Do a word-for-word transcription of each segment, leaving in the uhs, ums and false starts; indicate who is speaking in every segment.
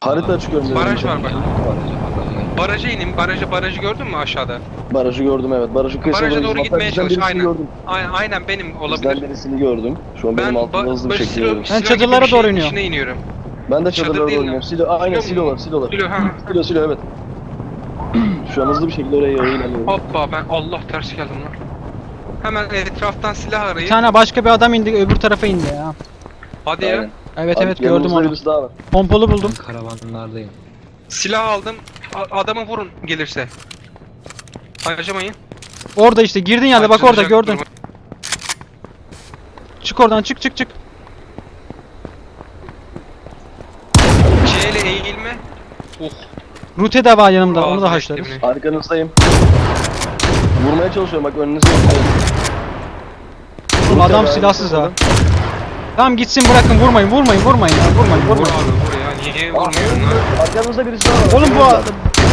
Speaker 1: Harita açık önümde.
Speaker 2: Baraj var bak. Baraja inin. Barajı barajı gördün mü aşağıda?
Speaker 1: Barajı gördüm evet. Barajın kıyısına
Speaker 2: Baraja doğru
Speaker 1: gidiyorum.
Speaker 2: gitmeye
Speaker 1: Hatta bizden
Speaker 2: çalış.
Speaker 1: birisini
Speaker 2: Aynen.
Speaker 1: gördüm.
Speaker 2: Aynen, aynen benim
Speaker 1: Bizden
Speaker 2: olabilir.
Speaker 1: birisini gördüm. Şu an
Speaker 2: Ben
Speaker 1: benim altımda hızlı bir
Speaker 2: böyle
Speaker 1: şekilde
Speaker 2: silo,
Speaker 1: yürüyorum.
Speaker 2: silo
Speaker 3: Ben
Speaker 2: gibi bir
Speaker 3: çadırlara
Speaker 2: şeyin
Speaker 3: doğru iniyorum.
Speaker 2: içine iniyorum.
Speaker 1: Ben de
Speaker 2: Çadır
Speaker 1: çadırlara
Speaker 2: değil
Speaker 1: doğru
Speaker 2: lan.
Speaker 1: iniyorum. Silo, aynen
Speaker 2: Silo
Speaker 1: silolar,
Speaker 2: mu?
Speaker 1: silolar.
Speaker 2: Silo, ha.
Speaker 1: Silo, silo evet. Şu an hızlı bir şekilde oraya doğru ilerliyorum.
Speaker 2: Hoppa ben Allah ters geldim lan. Hemen etraftan silah
Speaker 3: Bir
Speaker 2: arayın.
Speaker 3: tane başka bir adam indi, öbür tarafa indi ya.
Speaker 2: Hadi
Speaker 1: Aynen.
Speaker 2: ya.
Speaker 3: Evet
Speaker 1: Abi,
Speaker 3: evet gördüm
Speaker 1: yanımızda
Speaker 3: onu.
Speaker 1: birisi daha var.
Speaker 3: Pompalı buldum.
Speaker 4: Ben karavanlardayım.
Speaker 2: Silah aldım. A- adamı vurun gelirse. Harcamayın.
Speaker 3: Orada işte girdin yerde bak orada
Speaker 2: Harcanacak
Speaker 3: gördün.
Speaker 2: durum.
Speaker 3: Çık oradan çık çık çık.
Speaker 2: C ile eğilme. Oh.
Speaker 3: Rute de var yanımda onu
Speaker 2: ağzına
Speaker 3: da haşlarız.
Speaker 2: ettim
Speaker 1: Arkanızdayım. Vurmaya çalışıyorum bak önünüzde.
Speaker 3: Oğlum adam silahsız ha. Tamam gitsin bırakın vurmayın vurmayın vurmayın ya vurmayın
Speaker 2: Vur
Speaker 3: vurmayın.
Speaker 2: abi vur ya. Niye vurmuyorsun lan?
Speaker 1: Arkanızda birisi daha var.
Speaker 3: Oğlum bu
Speaker 2: Allah.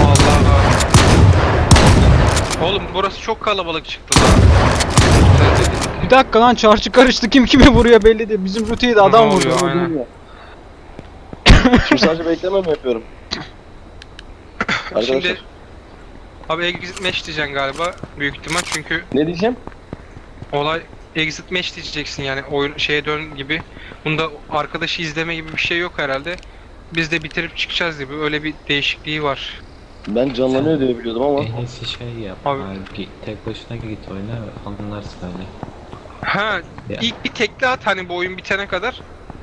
Speaker 2: Oğlum burası çok kalabalık çıktı lan.
Speaker 3: bir dakika lan çarşı karıştı kim kime vuruyor belli değil. Bizim ruteyi de adam
Speaker 2: Ne
Speaker 3: vurdu.
Speaker 2: oluyor? Aynen.
Speaker 1: Şimdi sadece bekleme mi yapıyorum? Arkadaşlar.
Speaker 2: Şimdi abi exit match diyeceksin galiba büyük ihtimal çünkü
Speaker 1: Ne diyeceğim?
Speaker 2: olay exit match diyeceksin yani oyun şeye dön gibi. Bunda arkadaşı izleme gibi bir şey yok herhalde. Biz de bitirip çıkacağız gibi öyle bir değişikliği var.
Speaker 1: Ben canlanıyor diye biliyordum ama.
Speaker 4: En iyisi şey yap.
Speaker 2: Abi.
Speaker 4: Abi. Git, tek başına git oyna anlarsın öyle.
Speaker 2: Ha
Speaker 4: Ya.
Speaker 2: ilk bir tekli at hani bu oyun bitene kadar.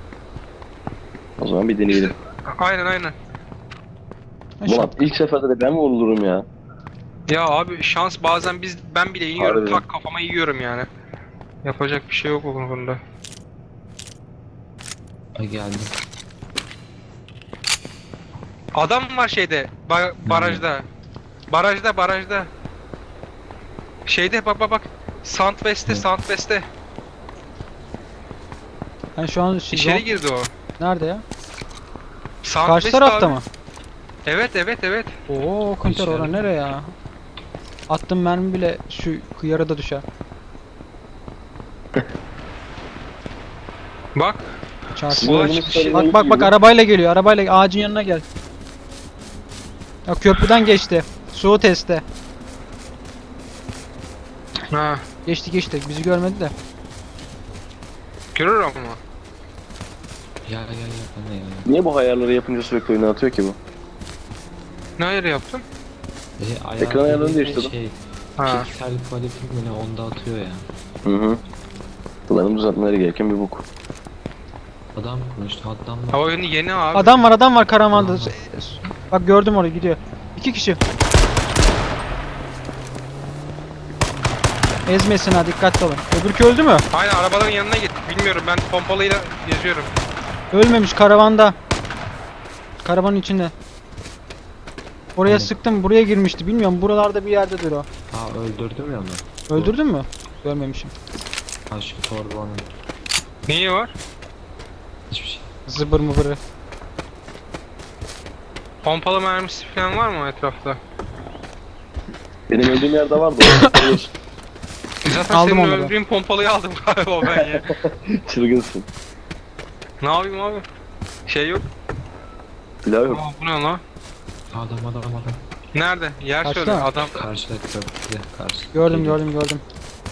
Speaker 1: O zaman bir deneyelim.
Speaker 2: Aynen aynen.
Speaker 1: Ulan ilk seferde de ben mi vurulurum ya?
Speaker 2: Ya abi şans bazen biz ben bile yiyorum
Speaker 1: Harbiden.
Speaker 2: tak kafama yiyorum yani. Yapacak bir şey yok o konuda.
Speaker 4: Ay geldim.
Speaker 2: Adam var şeyde ba- barajda. Barajda barajda. Şeyde bak bak bak. Southwest'te
Speaker 4: Hı.
Speaker 2: Southwest'te.
Speaker 3: Ben şu an şey,
Speaker 2: İçeri girdi o.
Speaker 3: nerede ya?
Speaker 2: Southwest
Speaker 3: Karşı tarafta
Speaker 2: abi.
Speaker 3: mı?
Speaker 2: Evet evet evet.
Speaker 3: Oo kanter
Speaker 4: İçeride.
Speaker 3: ora nereye ya? Attım mermi bile şu kıyara da düşer.
Speaker 2: Bak.
Speaker 3: Çarşı.
Speaker 1: Sizin
Speaker 2: Ulan
Speaker 1: oyununuz
Speaker 2: şey-
Speaker 1: sarıdan
Speaker 3: Bak bak bak
Speaker 1: gidiyor.
Speaker 3: arabayla geliyor arabayla ağacın yanına gel. Ya köprüden geçti. Su testi.
Speaker 2: Ha.
Speaker 3: Geçti geçti bizi görmedi de.
Speaker 2: Görür ama.
Speaker 4: Gel gel gel bana ya.
Speaker 1: Niye bu ayarları yapınca sürekli oyuna atıyor ki bu?
Speaker 2: Ne ayarı yaptın?
Speaker 4: E, ayağı
Speaker 1: Ekran ayarlarını
Speaker 4: dediğin
Speaker 1: değiştirdim.
Speaker 4: Şey,
Speaker 2: Ha.
Speaker 4: piksel quality mi ne onda atıyor ya.
Speaker 1: Hı hı. Kullanım düzeltmeleri gereken bir bok.
Speaker 4: Adam konuştu adam var.
Speaker 2: Ha oyunu yeni abi.
Speaker 3: Adam var adam var karavanda.
Speaker 4: Adam var.
Speaker 3: Bak gördüm orayı gidiyor. İki kişi. Ezmesin ha dikkatli olun. Öbürkü öldü mü?
Speaker 2: Aynen arabaların yanına git. Bilmiyorum ben pompalıyla geziyorum.
Speaker 3: Ölmemiş karavanda. Karavanın içinde. Oraya
Speaker 4: Aynen.
Speaker 3: sıktım buraya girmişti bilmiyorum buralarda bir yerdedir o.
Speaker 4: Aa öldürdüm ya onu.
Speaker 3: Öldürdün mü? Görmemişim.
Speaker 4: Ha şu torbanın.
Speaker 2: Neyi var?
Speaker 4: Hiçbir şey.
Speaker 3: Zıbır mıbırı.
Speaker 2: Pompalı mermisi falan var mı etrafta?
Speaker 1: Benim öldüğüm yerde vardı. o.
Speaker 2: Zaten
Speaker 3: Aldım
Speaker 2: senin
Speaker 3: onları.
Speaker 2: öldüğün pompalıyı aldım galiba ben ya.
Speaker 1: Çılgınsın.
Speaker 2: Ne yapayım abi? Şey yok.
Speaker 1: Silah yok.
Speaker 2: Aa, bu ne lan?
Speaker 4: Adam adam adam.
Speaker 2: Nerede? Yer
Speaker 3: Kaçta?
Speaker 2: söyle adam.
Speaker 4: Karşıda köprüde karşı.
Speaker 3: Gördüm gördüm gördüm.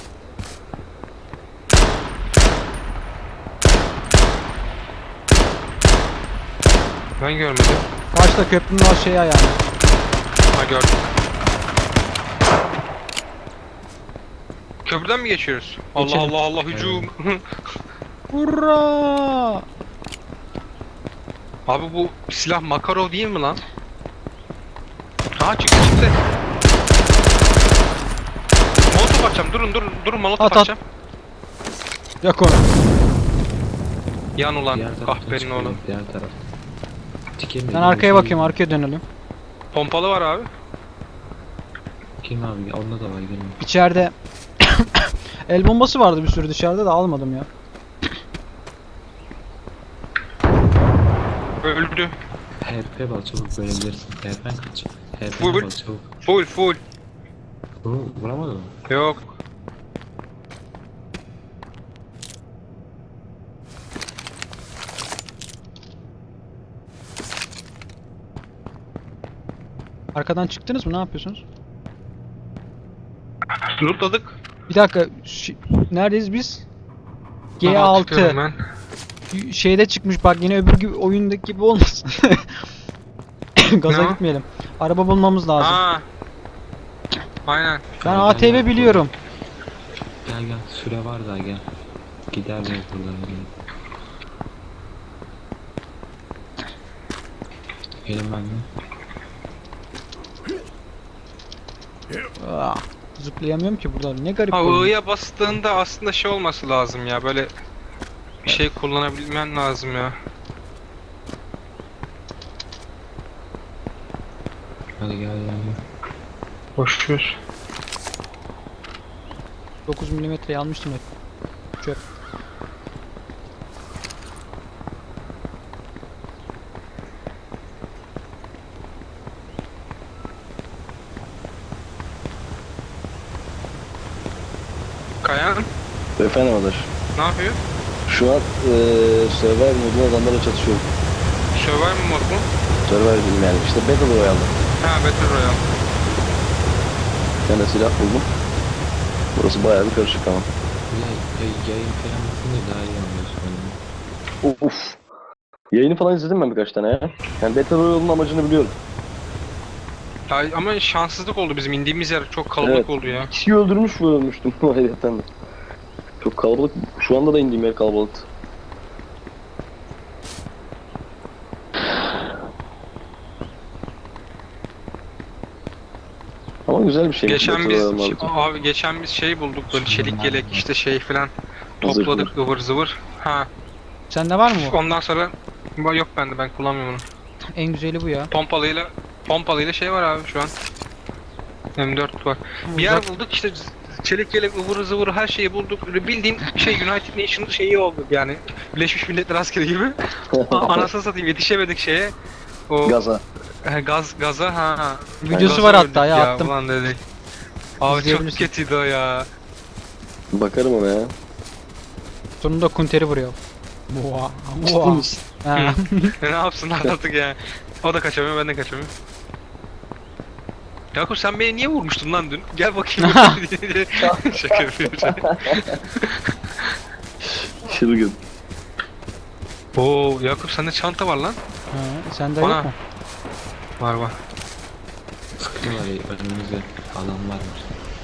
Speaker 2: Ben görmedim.
Speaker 3: Karşıda köprünün o şeyi ayağını.
Speaker 2: Ha gördüm. Köprüden mi geçiyoruz? Allah
Speaker 3: Geçelim.
Speaker 2: Allah Allah hücum.
Speaker 3: Hurra!
Speaker 2: Abi bu silah Makarov değil mi lan? Ha çıktı çıktı. Molotof atacağım. Durun durun durun molotof
Speaker 3: At, at.
Speaker 2: atacağım.
Speaker 3: Yak onu.
Speaker 2: Yan ulan
Speaker 4: Diğer taraftan
Speaker 2: kahperin
Speaker 4: çıkıyor,
Speaker 2: oğlum.
Speaker 4: diğer taraf. Tiken
Speaker 3: Ben arkaya bakayım arkaya dönelim.
Speaker 2: Pompalı var abi.
Speaker 4: Kim abi? Onda da var gelin.
Speaker 3: İçeride el bombası vardı bir sürü dışarıda da almadım ya.
Speaker 2: Öldü.
Speaker 4: H P bal çabuk bölebilirsin. H P'n kaç. H
Speaker 2: Full.
Speaker 4: P'ne bal çabuk.
Speaker 2: Full full.
Speaker 4: Vur, vuramadın mı?
Speaker 2: Yok.
Speaker 3: Arkadan çıktınız mı? Ne yapıyorsunuz?
Speaker 2: Lootladık.
Speaker 3: Bir dakika. ş- Neredeyiz biz? G
Speaker 2: Aha,
Speaker 3: altı.
Speaker 2: tutuyorum ben.
Speaker 3: Şeyde çıkmış bak, yine öbür gibi oyundaki gibi olmasın. Gaza
Speaker 2: Ne o?
Speaker 3: gitmeyelim. Araba bulmamız lazım.
Speaker 2: Aa. Aynen.
Speaker 3: Ben
Speaker 4: Gel,
Speaker 3: A T V
Speaker 4: gel,
Speaker 3: biliyorum.
Speaker 4: Gel gel süre var daha gel. Gider miyiz buradan gel. Gelin ben de.
Speaker 3: Aa, zıplayamıyorum ki burada. Ne garip
Speaker 2: Ha,
Speaker 3: oyun.
Speaker 2: I'ya bastığında aslında şey olması lazım ya, böyle bir şey kullanabilmen lazım ya.
Speaker 4: Hadi gel gel gel.
Speaker 2: Boşver.
Speaker 3: dokuz milimetre almıştım hep. Çöp.
Speaker 2: Kayan
Speaker 1: Efendim Adaş.
Speaker 2: ne yapıyor?
Speaker 1: Şu an eee Survivor modunda adamlarla çatışıyorum.
Speaker 2: Survival mod mu?
Speaker 1: Survivor dedim yani. İşte Battle Royale'da.
Speaker 2: Ha, Battle Royale.
Speaker 1: Bir tane silah buldum. Burası bayağı bir karışık ama.
Speaker 4: Ya, ya, yayın falan yapınca daha iyi anlıyorsun beni.
Speaker 1: Uf. Yayını falan izledim ben birkaç tane ya. Yani Battle Royale'ın amacını biliyorum.
Speaker 2: Ya, ama şanssızlık oldu, bizim indiğimiz yer çok kalabalık
Speaker 1: Evet.
Speaker 2: oldu ya.
Speaker 1: Kişiyi öldürmüş mü ölmüştüm hayretten de. Çok kalabalık. Şu anda da indiğim yer kalabalıktı. Ama güzel bir şey.
Speaker 2: Geçen biz abi geçen biz şey bulduk, böyle çelik yelek işte şey falan topladık ıvır zıvır. Ha,
Speaker 3: Sende var mı bu?
Speaker 2: ondan sonra ba- yok bende, ben kullanmıyorum onu.
Speaker 3: En güzeli bu ya.
Speaker 2: Pompalıyla pompalıyla şey var abi şu an. M dört var. Bir yer bulduk işte, çelik yelek ıvır zıvır her şeyi bulduk. Böyle bildiğin şey United Nations şeyi oldu yani. Birleşmiş Milletler askeri gibi. A- Anasını satayım, yetişemedik şeye. O
Speaker 1: Gaza.
Speaker 2: He, gaz gaza ha.
Speaker 3: Videosu
Speaker 2: Gaza
Speaker 3: var
Speaker 2: öldük
Speaker 3: hatta ya, attım.
Speaker 2: Ulan dedik. Abi çok
Speaker 3: İzleyebilirsin.
Speaker 2: kötüydü o ya.
Speaker 1: Bakarım ona ya.
Speaker 3: Sonunda kunteri vuruyor. Boğa.
Speaker 1: Ciddi
Speaker 3: Boğa.
Speaker 1: misin?
Speaker 3: Ha.
Speaker 2: ne yapsınlar artık ya. O da kaçamıyor, ben de kaçamıyorum. Yakup sen beni niye vurmuştun lan dün? Gel bakayım. Şaka yapıyorum.
Speaker 1: Çılgın.
Speaker 2: Oo Yakup, sende çanta var lan.
Speaker 3: Ha, sende
Speaker 2: Ana.
Speaker 3: yok mu?
Speaker 2: Var var.
Speaker 4: Sıkıyorlar ya, önümüzde adam varmış.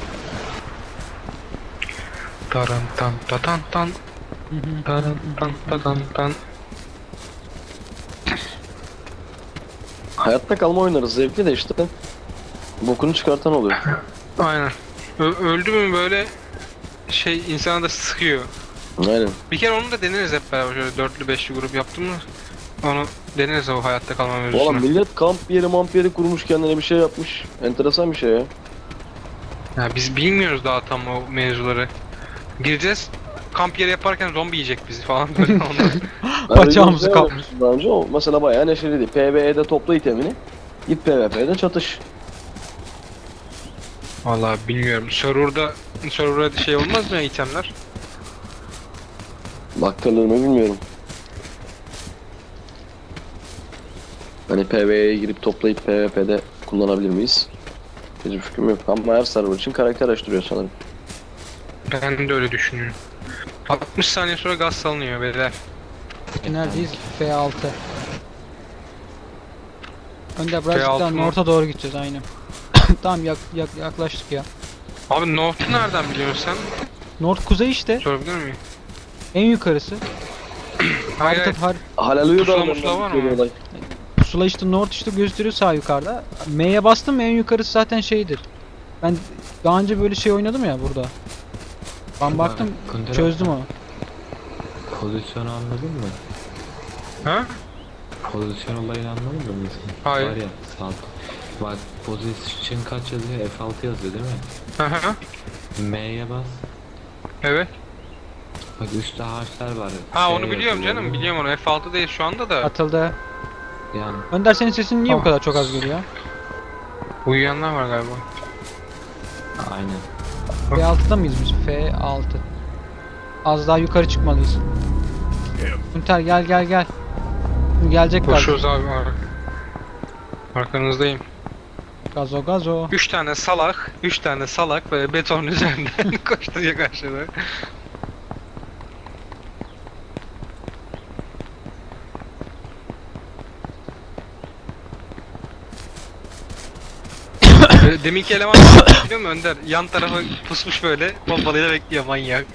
Speaker 2: Taran tan tatan tan.
Speaker 3: Hı hı.
Speaker 2: Taran tan tatan tan.
Speaker 1: Hayatta kalma oynarız, zevkli de işte. Bokunu çıkartan oluyor.
Speaker 2: Aynen. Ö- öldü mü böyle şey insana da sıkıyor.
Speaker 1: Aynen.
Speaker 2: Bir kere onu da deneriz hep beraber, şöyle dörtlü beşli grup yaptım mı? Onu deneriz o hayatta kalma
Speaker 1: Oğlum
Speaker 2: mevzusunu.
Speaker 1: millet kamp yeri mamp yeri kurmuş, kendine bir şey yapmış. Enteresan bir şey ya.
Speaker 2: Ya biz bilmiyoruz daha tam o mevzuları. Gireceğiz, kamp yeri yaparken zombi yiyecek bizi falan böyle ondan.
Speaker 3: Bacağımızı
Speaker 1: Ben
Speaker 3: kapmış.
Speaker 1: Daha önce o mesela bayağı neşeliydi. PvE'de topla itemini. Git PvP'de çatış.
Speaker 2: Vallahi bilmiyorum. Server'da server'da şey olmaz mı ya, itemler?
Speaker 1: Baktırılır mı bilmiyorum. Hani PvE'ye girip toplayıp PvP'de kullanabilir miyiz? Hiçbir fikrim yok. Ama her server için karakter açtırıyor sanırım.
Speaker 2: Ben de öyle düşünüyorum. altmış saniye sonra gaz salınıyor beyler.
Speaker 3: Neredeyiz? F altı. Önder
Speaker 2: F
Speaker 3: birazcık
Speaker 2: altı
Speaker 3: daha
Speaker 2: mı?
Speaker 3: North'a doğru gideceğiz aynen. Tamam yak, yak, yaklaştık ya.
Speaker 2: Abi North'u nereden biliyorsun sen?
Speaker 3: North kuzey işte.
Speaker 2: Sorabilir miyim?
Speaker 3: En yukarısı.
Speaker 2: Hayır, hayır.
Speaker 3: Harita, har
Speaker 1: Halaluyu da
Speaker 2: Pusula
Speaker 1: oradan
Speaker 2: musula var mı?
Speaker 1: bitiyor olay.
Speaker 3: pusula işte North işte gösteriyor sağ yukarıda. M'ye bastım mı en yukarısı zaten şeydir. Ben daha önce böyle şey oynadım ya burada. Ben baktım
Speaker 4: Kundera,
Speaker 3: çözdüm onu.
Speaker 4: Pozisyonu anladın mı?
Speaker 2: Ha?
Speaker 4: Pozisyon olayını anladın mı?
Speaker 2: Hayır.
Speaker 4: Var ya sağ. Bak pozisyon kaç yazıyor? F altı yazıyor değil mi?
Speaker 2: Hı hı.
Speaker 4: M'ye bas.
Speaker 2: Evet.
Speaker 4: Bak üstte harfler var.
Speaker 2: Ha
Speaker 4: F
Speaker 2: onu biliyorum
Speaker 4: yazıyor.
Speaker 2: canım, biliyorum onu. F altı değil şu anda da.
Speaker 3: Atıldı.
Speaker 4: Yani
Speaker 3: Önder senin sesin niye bu
Speaker 2: Tamam.
Speaker 3: kadar çok az geliyor?
Speaker 2: Uyuyanlar var galiba.
Speaker 4: aynen.
Speaker 3: F altıda mıyız biz? F altı. Az daha yukarı çıkmalıyız. Günter gel gel gel. Gelecek galiba.
Speaker 2: Koşuyoruz abi. ar- Arkanızdayım.
Speaker 3: Gazo gazo.
Speaker 2: Üç tane salak, üç tane salak böyle betonun üzerinden koşturuyor karşıda. Böyle deminki eleman biliyor musun Önder? Yan tarafa pusmuş böyle pompalıyla bekliyor manyak.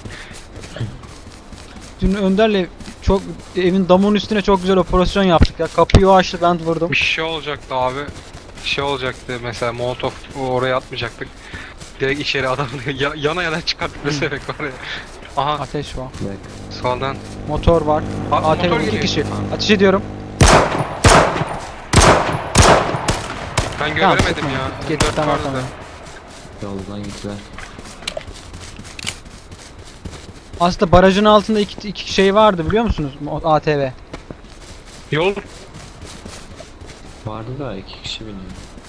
Speaker 3: Dün Önder'le çok evin damının üstüne çok güzel operasyon yaptık ya. Kapıyı o açtı, ben vurdum.
Speaker 2: Bir şey olacaktı abi. Bir şey olacaktı mesela Molotov oraya atmayacaktık. Direkt içeri adamı ya- yana yana çıkarttık mesela oraya. Aha
Speaker 3: Ateş var.
Speaker 4: Bak.
Speaker 2: soldan.
Speaker 3: Motor var.
Speaker 2: A-
Speaker 3: A T V
Speaker 2: motor
Speaker 3: iki
Speaker 2: geliyor.
Speaker 3: kişi. Ateş ediyorum.
Speaker 2: Ben
Speaker 3: Tamam,
Speaker 2: göremedim
Speaker 3: sıkma.
Speaker 2: ya.
Speaker 3: Geç,
Speaker 2: Dört
Speaker 3: tamam
Speaker 2: vardı
Speaker 3: tamam.
Speaker 2: da.
Speaker 4: Yoldan gittiler.
Speaker 3: Aslında barajın altında iki, iki şey vardı biliyor musunuz? Mo- A T V.
Speaker 2: Yol
Speaker 4: Vardı da iki kişi biniyor.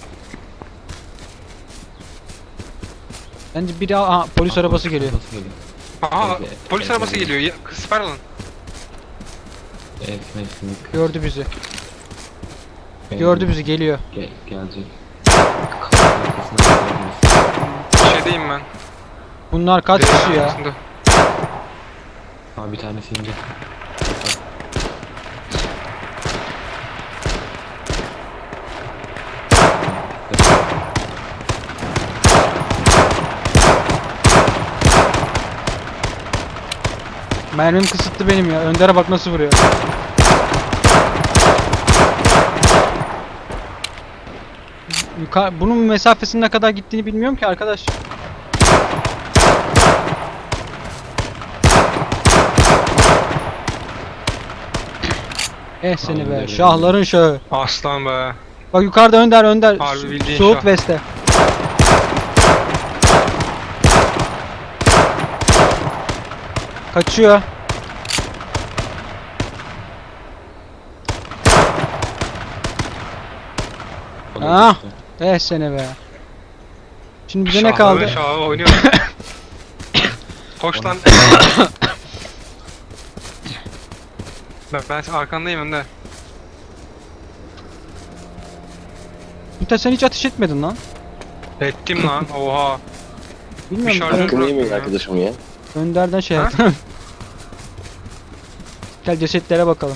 Speaker 3: Bence biri aha, polis
Speaker 4: Aa,
Speaker 3: arabası geliyor.
Speaker 4: Arabası geliyor.
Speaker 2: Aha
Speaker 4: Evet,
Speaker 2: polis
Speaker 4: evet,
Speaker 2: arabası
Speaker 4: evet.
Speaker 2: geliyor. Ya, Süper alın.
Speaker 4: Evet, mevsimlik.
Speaker 3: Gördü bizi.
Speaker 4: Geldi.
Speaker 3: Gördü bizi, geliyor.
Speaker 4: Gel, gelecek. Kapının arkasına geldiniz.
Speaker 2: Şeydeyim ben.
Speaker 3: Bunlar kaç
Speaker 2: Direğin
Speaker 3: kişi ya?
Speaker 2: arkasında.
Speaker 4: Aa bir tanesi indi.
Speaker 3: Mermim kısıtlı benim ya. Önder'e bak nasıl vuruyor. Yukarı, bunun mesafesinin ne kadar gittiğini bilmiyorum ki arkadaş. Eh seni be,
Speaker 4: Aynen.
Speaker 3: şahların şahı.
Speaker 2: Aslan be.
Speaker 3: Bak yukarıda Önder, Önder.
Speaker 2: Harbi
Speaker 3: Su-
Speaker 2: bildiğin
Speaker 3: Suud
Speaker 2: şah.
Speaker 3: West'te. Kaçıyor.
Speaker 4: O da
Speaker 3: Ah!
Speaker 4: gitti.
Speaker 3: Eh seni be. Şimdi bize ne
Speaker 2: Şahları
Speaker 3: kaldı?
Speaker 2: Şahı oynuyor. Koş lan. ben, ben arkandayım Önder.
Speaker 3: Ümit sen hiç ateş etmedin lan.
Speaker 2: Ettim lan. Oha.
Speaker 3: Bilmiyorum.
Speaker 2: Bir şarjör-
Speaker 3: Ön-
Speaker 1: Hakkını yemeyin
Speaker 2: ya.
Speaker 1: arkadaşım ya.
Speaker 3: Önder'den şey
Speaker 2: Ha?
Speaker 3: yaptım. Gel cesetlere bakalım.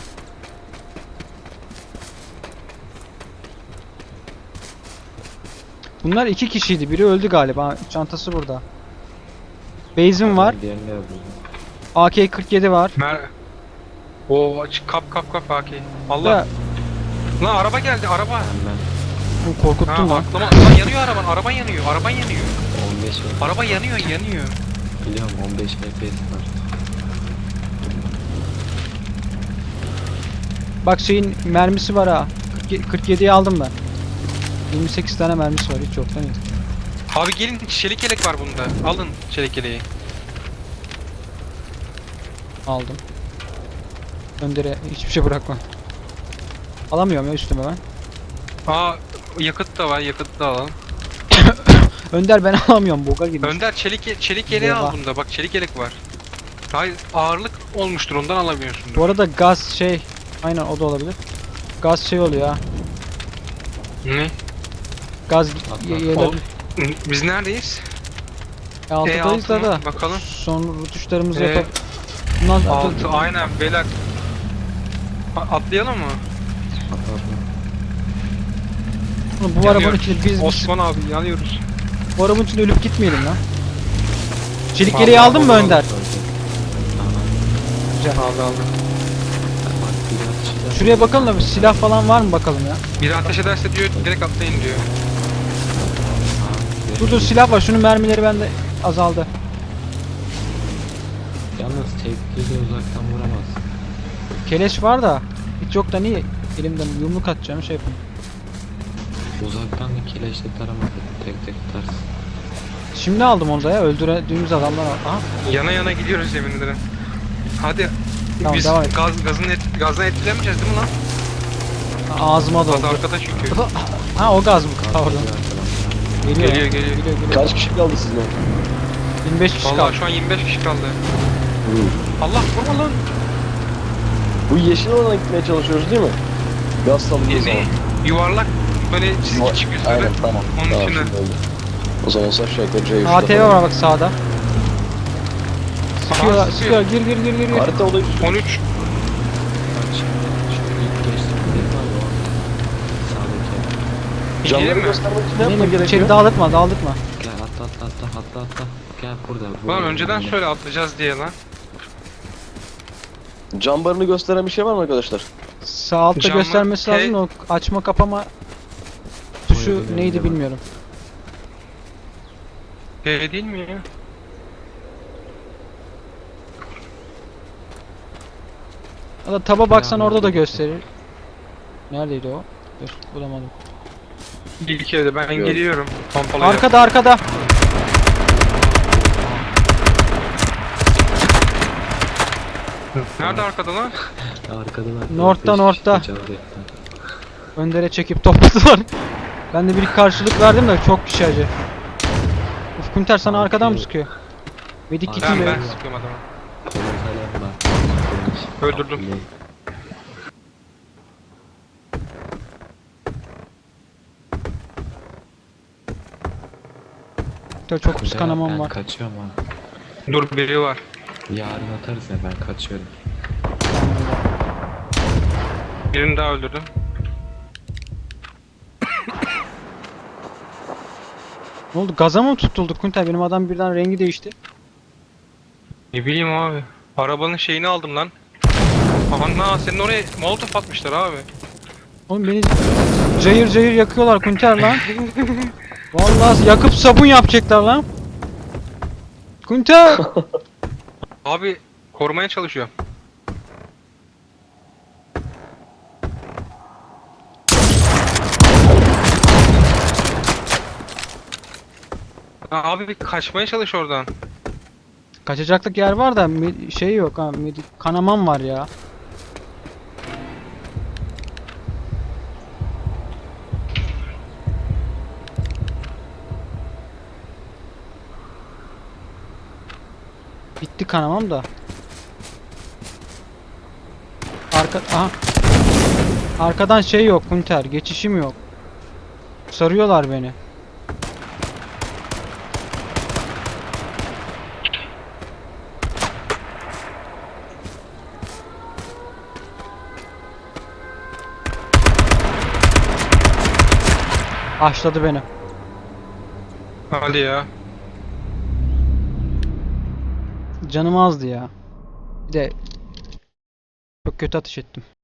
Speaker 3: Bunlar iki kişiydi. Biri öldü galiba. Çantası burada. Base'im var.
Speaker 4: Diğerini de yapıyoruz.
Speaker 3: A K kırk yedi var.
Speaker 2: Mer Oo aç kap kap kap Haki. Allah.
Speaker 3: Da,
Speaker 2: Lan araba geldi araba.
Speaker 4: Ben ben
Speaker 3: bu korkuttun
Speaker 2: Ha
Speaker 3: lan.
Speaker 2: aklıma lan yanıyor araban. Araban yanıyor. Araban yanıyor.
Speaker 4: on beş F-
Speaker 2: Araba yanıyor yanıyor.
Speaker 4: biliyorum on beş F P S var.
Speaker 3: Bak şeyin mermisi var ha. kırk yediyi aldım ben. yirmi sekiz tane mermisi var. Hiç yoktan iyi.
Speaker 2: Abi gelin çelik yelek var bunda. Alın çelik yeleği.
Speaker 3: Aldım. Önder'e hiçbir şey bırakma. Alamıyorum ya üstüme ben.
Speaker 2: Aa yakıt da var. Yakıt da alalım.
Speaker 3: Önder ben alamıyorum. Boga gibi.
Speaker 2: Önder çelik ye- çelik yeleği al
Speaker 3: Eyvah.
Speaker 2: bunda. Bak çelik yelek var. Hayır ağırlık olmuştur ondan alamıyorsun.
Speaker 3: Bu arada gaz şey. Aynen o da olabilir. Gaz şey oluyor ha.
Speaker 2: Ne?
Speaker 3: Gaz
Speaker 4: Atla.
Speaker 3: ye-
Speaker 2: O,
Speaker 3: yeleri.
Speaker 2: biz neredeyiz?
Speaker 3: E, altıdayız da
Speaker 2: altı
Speaker 3: da.
Speaker 2: mı? Bakalım.
Speaker 3: Son rutuşlarımızı
Speaker 2: E,
Speaker 3: yapıp. Bundan
Speaker 2: Altı aynen beyler. A- Atlayalım mı?
Speaker 4: Atla atla.
Speaker 3: Oğlum, bu arabanın
Speaker 2: Yanıyoruz.
Speaker 3: içinde biz, biz
Speaker 2: Osman abi yanıyoruz.
Speaker 3: bu arabanın içinde ölüp gitmeyelim lan. Çelik
Speaker 2: Vallahi
Speaker 3: yeleği aldın mı
Speaker 2: vallahi
Speaker 3: Önder?
Speaker 4: Tamam.
Speaker 3: Güzel.
Speaker 2: Aldı aldı.
Speaker 4: Bak bir daha şeyler-
Speaker 3: Şuraya bakalım da bir silah falan var mı bakalım ya.
Speaker 2: Biri ateş ederse diyor direkt atlayın diyor.
Speaker 4: Aa,
Speaker 3: Dur dur silah var. Şunun mermileri bende azaldı.
Speaker 4: Yalnız tekli de uzaktan vuramaz.
Speaker 3: Keleş var da hiç yok da niye elimden yumruk atacağım şey yapayım.
Speaker 4: Uzaktan da kileçle taramadı. Tek tek tutarsın.
Speaker 3: Şimdi aldım onu da ya öldürdüğümüz adamlar al. Aha.
Speaker 2: Yana yana gidiyoruz yemin ederim. Hadi.
Speaker 3: Tamam,
Speaker 2: Biz
Speaker 3: devam et.
Speaker 2: gaz, gazın et, gazdan etkilenmeyeceğiz değil mi lan?
Speaker 3: Ağzıma
Speaker 2: Gaz
Speaker 3: doldu.
Speaker 2: arkada çünkü.
Speaker 3: Ha o gaz mı? Pardon.
Speaker 4: Geliyor arkadan.
Speaker 3: Geliyor.
Speaker 2: Geliyor, geliyor.
Speaker 3: Geliyor geliyor.
Speaker 1: Kaç kişi kaldı sizin?
Speaker 3: yirmi beş kişi
Speaker 2: Vallahi
Speaker 3: kaldı.
Speaker 2: şu an yirmi beş kişi kaldı.
Speaker 1: Hı.
Speaker 2: Allah vurma lan.
Speaker 1: Bu yeşil alana gitmeye çalışıyoruz değil mi? Gaz salındığı
Speaker 2: Ne?
Speaker 1: zaman.
Speaker 2: Yuvarlak böyle çizgi çıkıyor sonra.
Speaker 1: Aynen tamam.
Speaker 2: Onun
Speaker 1: tamam,
Speaker 2: içine.
Speaker 1: şimdi oldu. O zaman aşağı yukarı C üçte
Speaker 3: A T V
Speaker 1: falan.
Speaker 3: var bak sağda. Sıkıyor,
Speaker 2: Aha,
Speaker 3: sıkıyor. Gir gir gir gir gir.
Speaker 1: Harita olayı
Speaker 2: on üç.
Speaker 4: Bak şimdi şu ilk geçtiğim yer var ya o. Sağdaki.
Speaker 1: Canları
Speaker 2: Gidelim mi?
Speaker 1: göstermek için ne
Speaker 3: Ne
Speaker 1: yapmak
Speaker 3: bileyim, içeri
Speaker 1: gerekiyor?
Speaker 3: dağıltma dağıltma.
Speaker 4: Gel atla atla atla atla atla. Gel burada.
Speaker 2: Lan
Speaker 4: burada,
Speaker 2: önceden
Speaker 4: burada.
Speaker 2: şöyle atlayacağız diye lan.
Speaker 1: Cam barını gösteren bir şey var mı arkadaşlar?
Speaker 3: Sağ altta
Speaker 2: Camı-
Speaker 3: göstermesi
Speaker 2: T-
Speaker 3: lazım da o açma kapama tuşu
Speaker 4: Oyun
Speaker 3: neydi
Speaker 4: var.
Speaker 3: bilmiyorum.
Speaker 2: P değil mi ya?
Speaker 3: Ya da taba baksan
Speaker 4: Silahlar
Speaker 3: orada da
Speaker 4: birlikte.
Speaker 3: gösterir. Neredeydi o? Dur bulamadım.
Speaker 2: İlk evde ben
Speaker 1: Yok.
Speaker 2: geliyorum. Pompalıya.
Speaker 3: Arkada arkada.
Speaker 2: Nerede arkada lan?
Speaker 4: Arkadan arkadan.
Speaker 3: North'tan,
Speaker 4: beş
Speaker 3: North'ta.
Speaker 4: kişi çaldı.
Speaker 3: Öndere çekip topladılar. Ben de bir karşılık verdim de çok kişi acı. Uf Kunter sana
Speaker 4: Abi,
Speaker 3: arkadan mı
Speaker 4: yok.
Speaker 3: sıkıyor? Medik
Speaker 4: Abi,
Speaker 3: iki
Speaker 2: Ben
Speaker 3: mi?
Speaker 2: ben sıkıyorum adamı.
Speaker 4: Komutanım var.
Speaker 2: Öldürdüm.
Speaker 3: Kunter çok pis
Speaker 4: Kuzen,
Speaker 3: kanamam
Speaker 4: ben
Speaker 3: var.
Speaker 4: kaçıyorum ha.
Speaker 2: Dur biri var.
Speaker 4: Yarın atarız ya ben kaçıyorum.
Speaker 2: Birini daha öldürdüm.
Speaker 3: Ne oldu? Gaza mı tutulduk Kunter? Benim adam birden rengi değişti.
Speaker 2: Ne bileyim abi. Arabanın şeyini aldım lan. Ana senin oraya molotof atmışlar abi.
Speaker 3: Oğlum beni cayır cayır yakıyorlar Kunter lan. Vallahi yakıp sabun yapacaklar lan. Kunter!
Speaker 2: Abi korumaya çalışıyor. Ha, abi bir kaçmaya çalış oradan.
Speaker 3: Kaçacaklık yer var da me- şey yok ha. medi- Kanamam var ya. Bitti kanamam da. Arka aha. Arkadan şey yok Kunter, geçişim yok. Sarıyorlar beni. Başladı beni.
Speaker 2: Hadi ya.
Speaker 3: Canım azdı ya. Bir de çok kötü ateş ettim.